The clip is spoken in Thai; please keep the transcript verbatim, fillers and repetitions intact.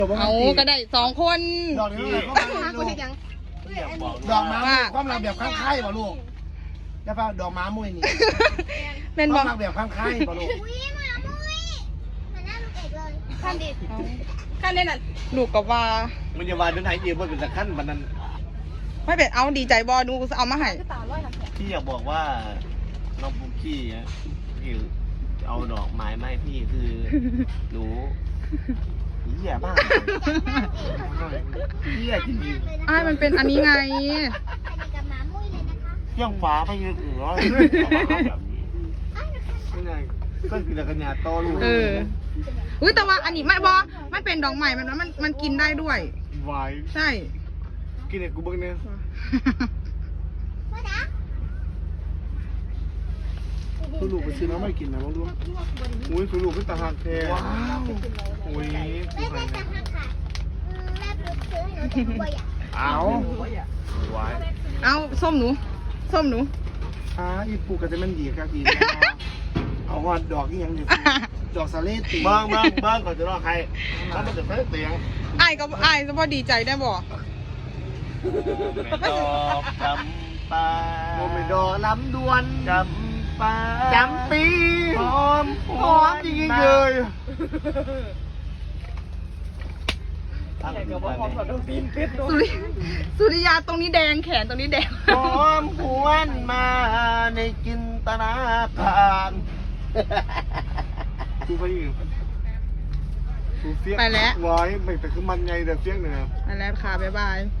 เอาก็ได้สองคนดอกนี้ก็มาลูกดอกม้าความรักแบบข้างไข่ป่ะลูกได้ป่ะดอกม้ามุ้ยนี่เป็นคบอวาก มรักแบบข้างไข่ป่ะลูกอุ้ยหมามุ้ยเหมือนหน้าลูกเอกเลยขั้นดิขั้นได้น่ะลูกกับว่ามันจะวาดเป็นไทยเองว่าเป็นตะขั้นมันนั้นไม่เป็นเอาดีใจบอดูเอามาให้พี่อยากบอกว่าน้องปุ๊กกี้อ่ะพี่เอาดอกไม้มาให้พี่คือหนูเหี้ยบ้าเหี้ยจริงอ้ายมันเป็นอันนี้ไงใส่กับหมามุ้ยเลยนะคะๆยังฟ้าไปเยอะเหรอไม่ไงก็คือตะกัญญาโตลูกเอออุ้ยแต่ว่าอันนี้ไม่บอมันเป็นดอกใหม่มันมันมันกินได้ด้วยวายใช่กินเนี่ยกูเบิ่งเนี่ยพ่อจ๋าคือลูกไปซื้อน้ำไม่กินนะลูกอุ้ยคือลูกขึ้นตาหักแท้ว้าวอุ้ยแม่แม่จะหักขาแม่ปลุกซื้อให้หนูแต่กลัวอย่าเอาวายเอาส้มหนูส้มหนูอ่าอีปูก็จะมันดีครับดีเอาหอดดอกยังอยู่ดอกสาเลตีเบิ้งเบิ้งเบิ้งก่อนจะรอใครถ้ามันจะเฟ้เตียงอ้ายก็อ้ายจะพอดีใจได้บ่ดอกจำปาโมเมดอล้ำดวนจำปาจำปีหอมหอมจริงๆเลยสุริสุริยาตรงนี้แดงแขนตรงนี้แดงหอมหวนมาในจินตนาการกูไปอีกกูเฟี้ยงไปแล้วร้อยไม่แต่คือมันไงเดี๋ยวเฟี้ยงเนี่ยไปแล้วค่ะบ๊ายบาย